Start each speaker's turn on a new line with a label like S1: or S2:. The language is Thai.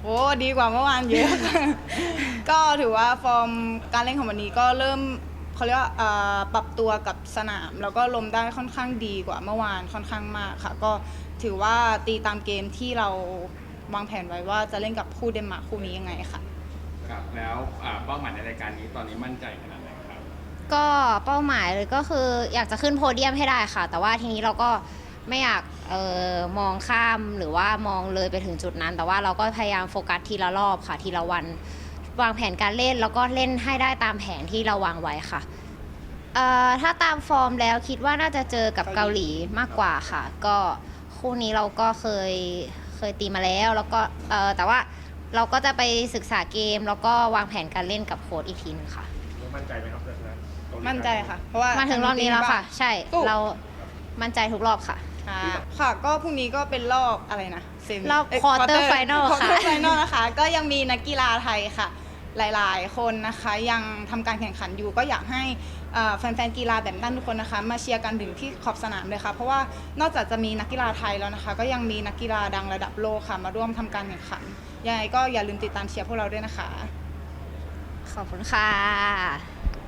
S1: โอ้ดีกว่าเมื่อวานเยอะ ก็ถือว่าฟอร์มการเล่นของวันนี้ก็เริ่มเขาเรียกว่าปรับตัวกับสนามแล้วก็ลมได้ค่อนข้างดีกว่าเมื่อวานค่อนข้างมากค่ะก็ถือว่าตีตามเกมที่เราวางแผนไว้ว่าจะเล่นกับคู่เดนมาร์กคู่นี้ยังไงค่ะ
S2: ครับแล้วเป้าหมายในรายการนี้ตอนนี้มั่นใจขนาดไหนครับ
S3: ก็เป้าหมายเลยก็คืออยากจะขึ้นโพเดียมให้ได้ค่ะแต่ว่าทีนี้เราก็ไม่อยากมองข้ามหรือว่ามองเลยไปถึงจุดนั้น แต่ว่าเราก็พยายามโฟกัสทีละรอบค่ะทีละวันวางแผนการเล่นแล้วก็เล่นให้ได้ตามแผนที่เราวางไว้ค่ะถ้าตามฟอร์มแล้วคิดว่าน่าจะเจอกับเกาหลีมากกว่าค่ะก็คู่นี้เราก็เคยตีมาแล้วก็แต่ว่าเราก็จะไปศึกษาเกมแล้วก็วางแผนการเล่นกับโค้ชอีกทีนึงค่ะ
S2: มั่นใจไหมครับเพื่อนๆ
S1: มั่นใจค่ะเพราะว่า
S3: มาถึงรอบนี้แล้วค่ะ ใช่
S1: สู้
S3: เรามั่นใจทุกรอบค่ะ
S1: ค่ะก็พรุ่งนี้ก็เป็นรอบอะไรนะ
S3: รอบ quarter final ค่ะ
S1: quarter final นะคะก็ยังมีนักกีฬาไทยค่ะ หลายๆ คนนะคะยังทำการแข่งขันอยู่ก็อยากให้แฟนๆกีฬาแบดมินตันทุกคนนะคะมาเชียร์กันถึงที่ขอบสนามเลยค่ะเพราะว่านอกจากจะมีนักกีฬาไทยแล้วนะคะก็ยังมีนักกีฬาดังระดับโลกค่ะมาร่วมทำการแข่งขันยังไงก็อย่าลืมติดตามเชียร์พวกเราด้วยนะคะ
S3: ขอบคุณค่ะ